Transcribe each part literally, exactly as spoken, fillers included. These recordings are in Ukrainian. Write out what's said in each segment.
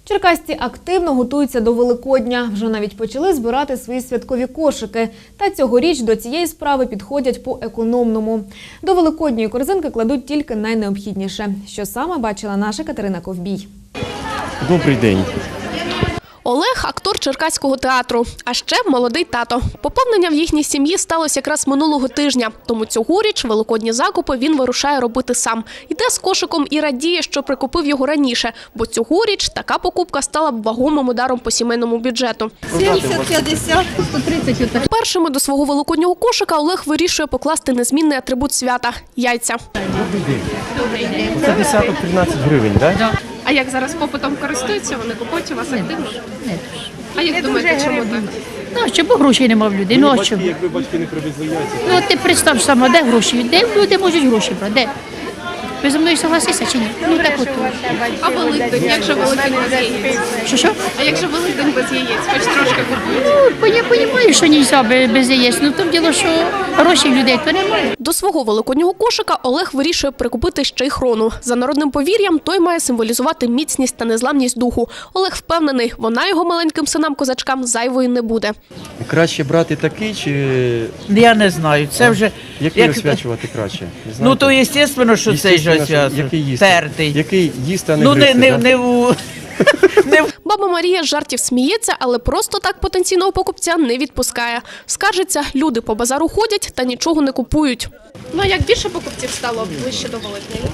Черкасці активно готуються до Великодня. Вже навіть почали збирати свої святкові кошики. Та цьогоріч до цієї справи підходять по-економному. До великодньої корзинки кладуть тільки найнеобхідніше. Що саме бачила наша Катерина Ковбій. Добрий день. Олег – актор Черкаського театру, а ще молодий тато. Поповнення в їхній сім'ї сталося якраз минулого тижня. Тому цьогоріч великодні закупи він вирушає робити сам. Йде з кошиком і радіє, що прикупив його раніше, бо цьогоріч така покупка стала б вагомим ударом по сімейному бюджету. сімдесят, п'ятдесят, сто тридцять. Першими до свого великоднього кошика Олег вирішує покласти незмінний атрибут свята – яйця. Добрий день. Це десяток тринадцять гривень, так? Да? А як зараз попитом користуються, вони купують у вас активно? Не дуже. А як думаєте, чому так? Ну, а що, бо грошей нема в людей, ну а чому? Якби батьки не привезли яйця. Ну, от ти представ сама, де гроші? Де люди можуть гроші брати? Де? Ви зі мною согласися чи ні? Ну, так от. А Великдень, як же Великдень без яєць? Що, що? А як же Великдень без яєць? Хоч трошки купують. Ну, бо я розумію, що нельзя без яєць. Ну, то діло, що грошей в людей то немає. До свого великоднього кошика Олег вирішує прикупити ще й хрону. За народним повір'ям, той має символізувати міцність та незламність духу. Олег впевнений, вона його маленьким синам-козачкам зайвою не буде. Краще брати такий чи Я не знаю, це вже... який як- освячувати краще? Не Ну, то знаєте? естественно, що цей же Естественно, що- освячує. який їсти? Тертий. Який їсти, а не Ну, не, гризти, не, да? не, у... не в Баба Марія з жартів сміється, але просто так потенційного покупця не відпускає. Скаржиться, люди по базару ходять та нічого не купують. Ну, а як більше покупців стало ближче до Великдня?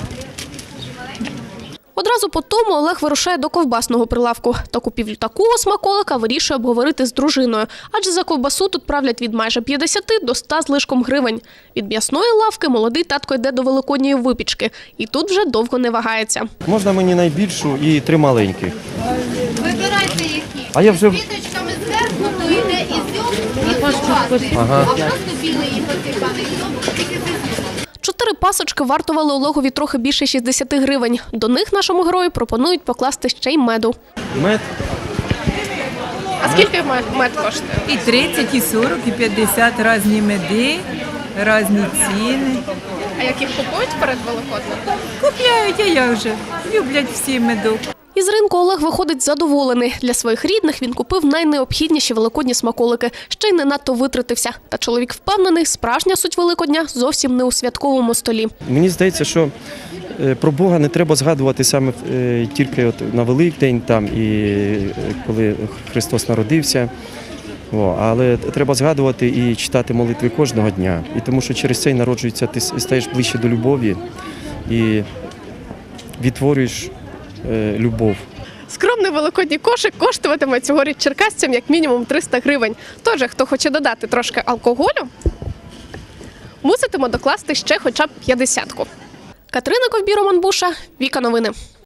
Одразу по тому Олег вирушає до ковбасного прилавку. Та купівлю такого смаколика вирішує обговорити з дружиною. Адже за ковбасу тут правлять від майже п'ятдесяти до ста з лишком гривень. Від м'ясної лавки молодий татко йде до великодньої випічки. І тут вже довго не вагається. Можна мені найбільшу і три маленьких. Вибирайте які. А я вже... Квіточками зверху, то йде ізюм і ковбаси. Ага. А просто білий і посипаний ізюм, тільки з ізюмом. Чотири пасочки вартували Олегові трохи більше шістдесяти гривень. До них нашому герою пропонують покласти ще й меду. Мед. А скільки мед коштує? І тридцять, і сорок, і п'ятдесят різні меди, різні ціни. А як їх купують перед Великоднем? Купляють, а як же? Люблять всі медок. Із ринку Олег виходить задоволений. Для своїх рідних він купив найнеобхідніші великодні смаколики. Ще й не надто витратився. Та чоловік впевнений, справжня суть Великодня зовсім не у святковому столі. Мені здається, що е, про Бога не треба згадувати саме е, тільки от на Великдень, там, і е, коли Христос народився. О, але треба згадувати і читати молитви кожного дня. І тому що через це й народжується, ти стаєш ближче до любові і відтворюєш е, любов. Скромний великодній кошик коштуватиме цьогоріч черкасцям як мінімум триста гривень. Тож, хто хоче додати трошки алкоголю, муситиме докласти ще хоча б п'ятдесятку. Катерина Ковбій, Роман Буша, Віка Новини.